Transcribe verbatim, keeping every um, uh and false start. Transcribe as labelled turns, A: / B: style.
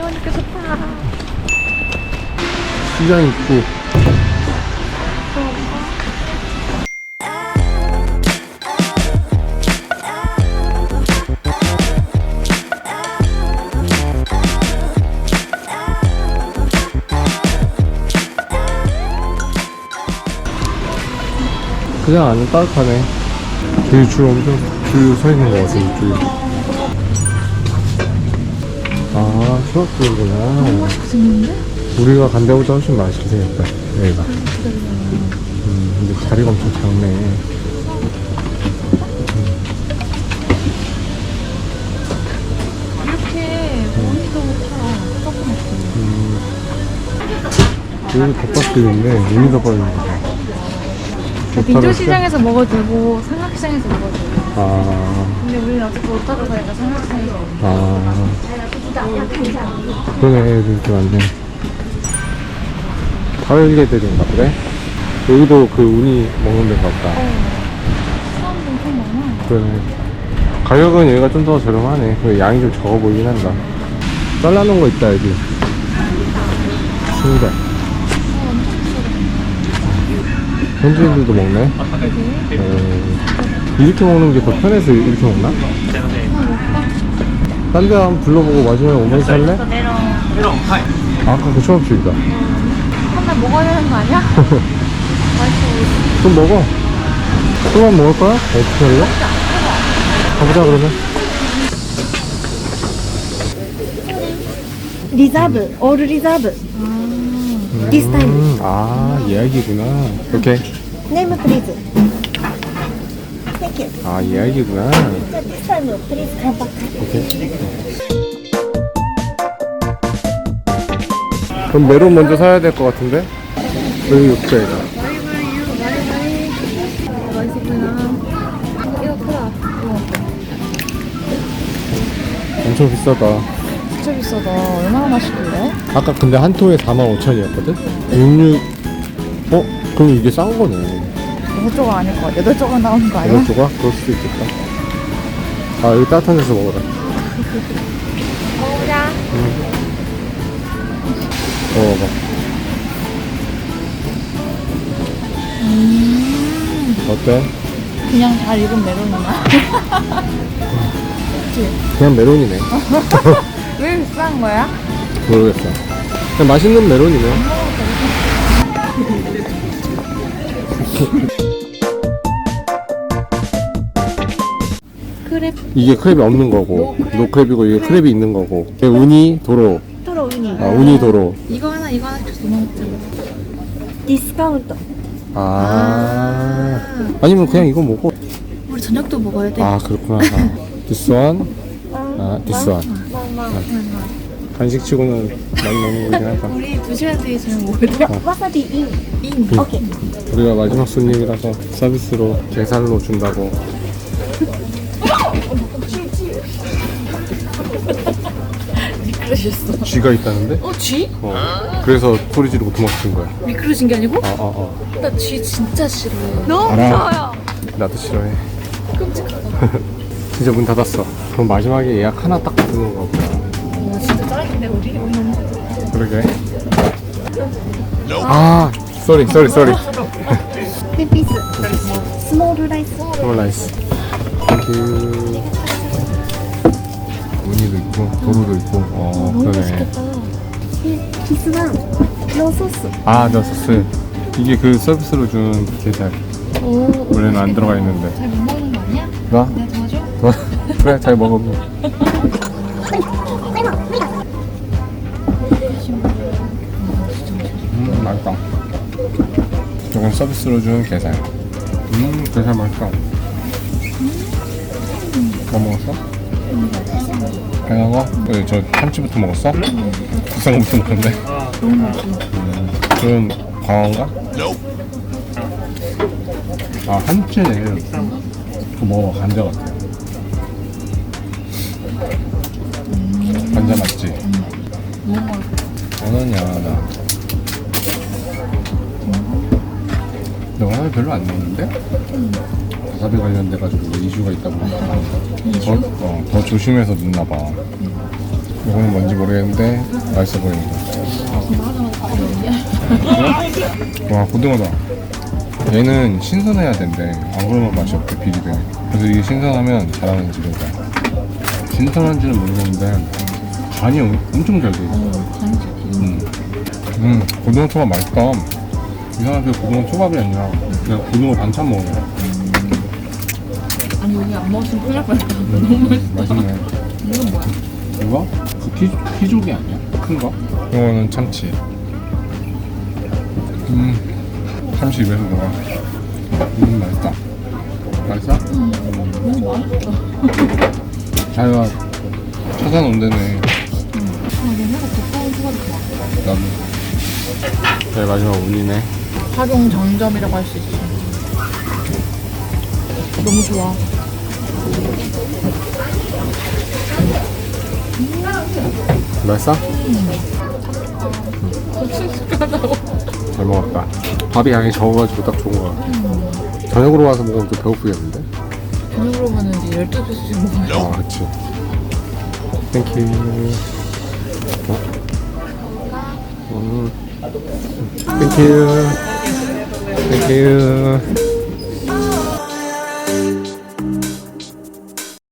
A: 나오니까 좋다.
B: 시장 입구. 그냥 안에 따뜻하네. 저기 줄 엄청 줄 서 있는 거 같아, 이쪽에. 아, 수학교구나.
A: 너무 맛있게 생겼는데?
B: 우리가 간 데보다 훨씬 맛있게 생겼다, 여기가. 음, 근데 자리가 엄청 작네.
A: 이렇게 모니터가 타. 조금
B: 음. 여기 덮밥도 있네. 우리 덮밥 있는 거.
A: 민조시장에서 먹어도 되고 삼각시장에서 먹어도 되고.
B: 아,
A: 근데 우리는 어차피 오타로 가니까 삼각시장에서 먹어.
B: 아. 그러네, 여기 이렇게 많네. 가을개들인가 보네. 여기도 그 우니 먹는 데인가 보다.
A: 사람도 엄청 많아.
B: 그러네. 가격은 여기가 좀 더 저렴하네. 그 양이 좀 적어 보이긴 한다. 잘라놓은 거 있다, 여기. 신기하다. 현지인들도 먹네. 음, 이렇게 먹는 게 더 편해서 이렇게 먹나? 딴 데 한번 불러보고 마지막에 오면 살래? 아, 아까 그 초밥집이다.
A: 한날 먹어야 되는 거 아니야? 맛있어.
B: 좀 먹어. 또만 먹을 거야? 어떻게 할래? 가보자, 그러면.
C: 리자브, 올 리자브. This time.
B: 음, 아, 예약이구나. 오케이.
C: Name please. Thank you.
B: 아, 예약이구나.
C: This time please come back.
B: 오케이. 그럼 메론 먼저 사야 될 것 같은데? 여기 육백.
A: 맛있어 보이나? 이거 크다.
B: 엄청 비싸다.
A: 진짜 비싸다. 얼마나 맛있길래?
B: 아까 근데 한 통에 사만 오천이었거든? 육육. 어? 그럼 이게 싼 거네.
A: 여섯 조각 아닐 것 같아. 여덟 조각 나오는 거 아니야?
B: 여덟 조각? 그럴 수도 있겠다. 아, 여기 따뜻한 데서 먹어라.
A: 먹어보자.
B: 먹어봐.
A: 음,
B: 어때?
A: 그냥 잘 익은 메론이나?
B: 그냥 메론이네.
A: 왜 비싼 거야?
B: 모르겠어. 그냥 맛있는 메론이네.
A: 크랩.
B: 이게 크랩이 없는 거고, 노크랩이고, 이게 크랩이 있는 거고. 이게 우니, 도로.
C: 토로 우니.
B: 아, 우니, 도로.
A: 이거 하나 이거 하나 줘서 너무 먹자.
C: 디스카운트.
B: 아. 아니면 그냥 이거 먹어.
A: 우리 저녁도 먹어야 돼.
B: 아, 그렇구나. 아. this one. 아, this one. 간식 치고는 많이 먹는 거긴 하다.
A: 우리 두 시간 뒤에 저녁 먹어야 돼.
C: 와사비 인.
A: 인.
B: 응.
C: 오케이.
B: 우리가 마지막 손님이라서 서비스로 계산로 준다고.
A: 미끄러졌어.
B: 쥐가 있다는데?
A: 어, 쥐?
B: 어. 그래서 소리 지르고 도망친 거야.
A: 미끄러진 게 아니고?
B: 아, 아, 아.
A: 나 쥐 진짜 싫어해.
C: 너무
B: 알아.
C: 무서워요.
B: 나도 싫어해.
A: 끔찍하다.
B: 진짜 문 닫았어. 그럼 마지막에 예약 하나 딱 받는 거 보다.
A: 와, 진짜 짱인데 우리? 우리 너무 좋다.
B: 그러게. 아, 쏘리, 쏘리, 쏘리.
C: 네 피스. 스몰 라이스.
B: 스몰 라이스. 땡큐. 무늬도 있고, 도로도 있고. 어,
C: 너무
B: 그러네.
C: 맛있겠다. 키스만 노 소스.
B: 아, 너 소스. 이게 그 서비스로 준 게살.
A: 오,
B: 원래는 안 들어가 있는데.
A: 잘 못 먹는 거 아니야?
B: 나?
A: 내가 도와줘?
B: 너? 그래, 잘 먹어. 음, 맛있다. 이건 서비스로 준 게살. 음, 게살 맛있다. 뭐 먹었어? 당연한 거? 왜, 저 참치부터 먹었어? 비싼 거부터 먹었는데?
A: 너무 맛있어.
B: 음, 그럼 광어인가? 아, 한치네. 그거 먹어봐, 감자 같아. 감자 맞지?
A: 너무 맛있어.
B: 원원이야, 나. 근데 원원이 별로 안 넣었는데? 와사비 관련돼가지고 이슈가 있다고. 더, 어, 더 조심해서 넣나봐. 이거는 뭔지 모르겠는데 맛있어 보인다. 와, 고등어다. 얘는 신선해야 된대. 안 그러면 맛이 없대, 비리대. 그래서 이게 신선하면 잘하는 집이다. 신선한지는 모르겠는데 간이 엄- 엄청 잘 돼 있어. 음. 음, 고등어 초밥 맛있다. 이상하게 고등어 초밥이 아니라 그냥 고등어 반찬 먹는 거야.
A: 아니 여기 안 먹었으면 큰일 날 뻔했다.
B: 음, 맛있네.
A: 이건 뭐야?
B: 이거? 그 피, 피조개 아니야? 큰 거? 이거는 참치. 음, 참치 입에서 녹아. 음, 맛있다. 맛있어?
A: 음, 너무 맛있어.
B: 자기가 찾아놓은 데네.
A: 아, 얘네가 두꺼운 초밥이 좋아.
B: 나도. 네, 마지막 운이네.
A: 활용 정점이라고 할 수 있어. 너무 좋아.
B: 맛있어?
A: 씩씩하다고.
B: 잘 먹었다. 밥이 양이 적어가지고 딱 좋은 거 같아. 저녁으로 와서 먹으면 또 배고프겠는데?
A: 저녁으로 오면 이제 열두 개씩 먹어요.
B: 아, 그치. 땡큐. 어? 음. 땡큐. 땡큐.